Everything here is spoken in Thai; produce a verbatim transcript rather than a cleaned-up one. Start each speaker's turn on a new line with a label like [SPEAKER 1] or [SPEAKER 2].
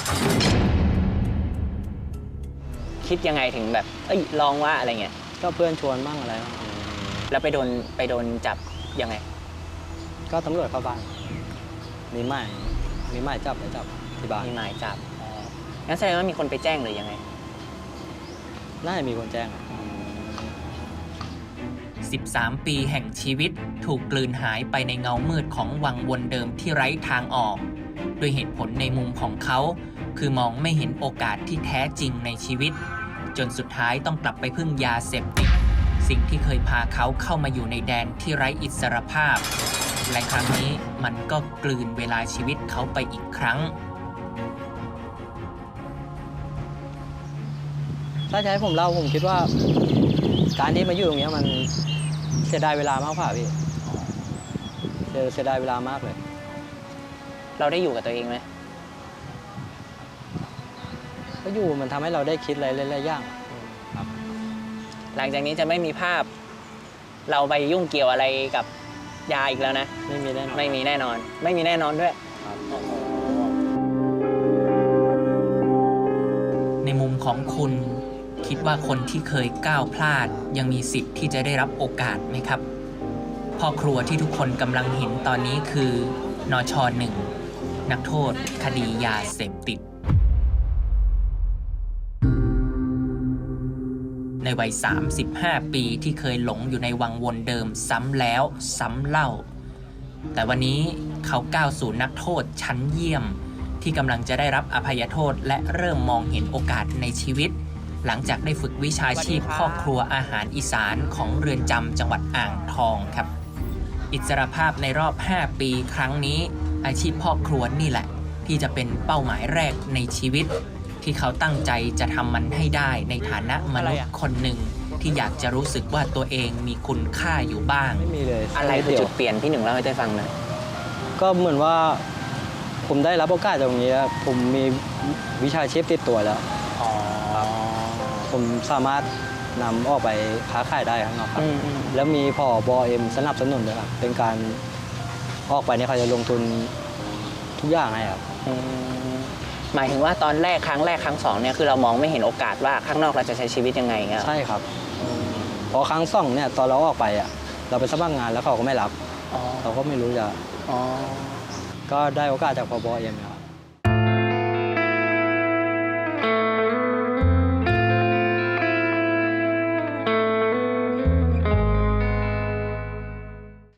[SPEAKER 1] คิดยังไงถึงแบบเอ้ยลองว่าอะไรเงี้ย
[SPEAKER 2] ก็เพื่อนชวนบ้างอะไรบ้าง
[SPEAKER 1] แล้วไปโดนไปโดนจับยังไง
[SPEAKER 2] ก็ตำรวจเข้าบ้านมีหมายมีหมายจับไปจับที่บ้าน
[SPEAKER 1] มีหมายจับอ๋องั้นแสดงว่ามีคนไปแจ้งหรือยังไง
[SPEAKER 2] น่าจะมีคนแจ้ง
[SPEAKER 3] สิบสาม ปีแห่งชีวิตถูกกลืนหายไปในเงามืดของวังวนเดิมที่ไร้ทางออกด้วยเหตุผลในมุมของเขาคือมองไม่เห็นโอกาสที่แท้จริงในชีวิตจนสุดท้ายต้องกลับไปพึ่งยาเสพติดสิ่งที่เคยพาเขาเข้ามาอยู่ในแดนที่ไร้อิสรภาพและครั้งนี้มันก็กลืนเวลาชีวิตเขาไปอีกครั้ง
[SPEAKER 2] ถ้าจะให้ผมเล่าผมคิดว่าการที่มาอยู่ตรงนี้มันเสียดายเวลามากกว่าพี่เสียดายเวลามากเลย
[SPEAKER 1] เราได้อยู่กับตัวเองไหม
[SPEAKER 2] ก็อยู่มันทำให้เราได้คิดอะไรหลายๆอย่างครับ
[SPEAKER 1] หลังจากนี้จะไม่มีภาพเราไปยุ่งเกี่ยวอะไรกับยาอีกแล้วนะ
[SPEAKER 2] ไม่มีแน่นอน
[SPEAKER 1] ไม่มีแน่นอนไม่มีแน่นอนด้วย
[SPEAKER 3] ในมุมของคุณคิดว่าคนที่เคยก้าวพลาดยังมีสิทธิ์ที่จะได้รับโอกาสไหมครับพ่อครัวที่ทุกคนกำลังเห็นตอนนี้คือนช.หนึ่ง นักโทษคดียาเสพติดในวัยสามสิบห้าปีที่เคยหลงอยู่ในวังวนเดิมซ้ำแล้วซ้ำเล่าแต่วันนี้เขาก้าวสู่นักโทษชั้นเยี่ยมที่กำลังจะได้รับอภัยโทษและเริ่มมองเห็นโอกาสในชีวิตหลังจากได้ฝึกวิชาชีพพ่อครัวอาหารอีสานของเรือนจำจังหวัดอ่างทองครับอิสรภาพในรอบห้าปีครั้งนี้อาชีพพ่อครัวนี่แหละที่จะเป็นเป้าหมายแรกในชีวิตที่เขาตั้งใจจะทำมันให้ได้ในฐานะมนุษย์คนหนึ่งที่อยากจะรู้สึกว่าตัวเองมีคุณค่าอยู่บ้าง
[SPEAKER 2] ไม่มีเลย
[SPEAKER 1] อะไรคือจุดเปลี่ยนพี่หนึ่งเล่าให้ได้ฟังหน่อย
[SPEAKER 2] ก็เหมือนว่าผมได้รับโอกาสตรงนี้ผมมีวิชาชีพติดตัวแล้วผมสามารถนำออกไปค้าขายได้ข้างนอกครับแล้วมีผบ.เอ็มสนับสนุนด้วยครับเป็นการออกไปเนี่ยเขาจะลงทุนทุกอย่างให้ครับ
[SPEAKER 1] หมายถึงว่าตอนแรกครั้งแรกครั้งสองเนี่ยคือเรามองไม่เห็นโอกาสว่าข้างนอกเราจะใช้ชีวิตยังไงเงี้ย
[SPEAKER 2] ใช่ครับพอครั้งสองเนี่ยตอนเราออกไปอ่ะเราไปสมัครงานแล้วเขาก็ไม่รับเราก็ไม่รู้จะก็ได้โอกาสจากผบ.เอ็มครับ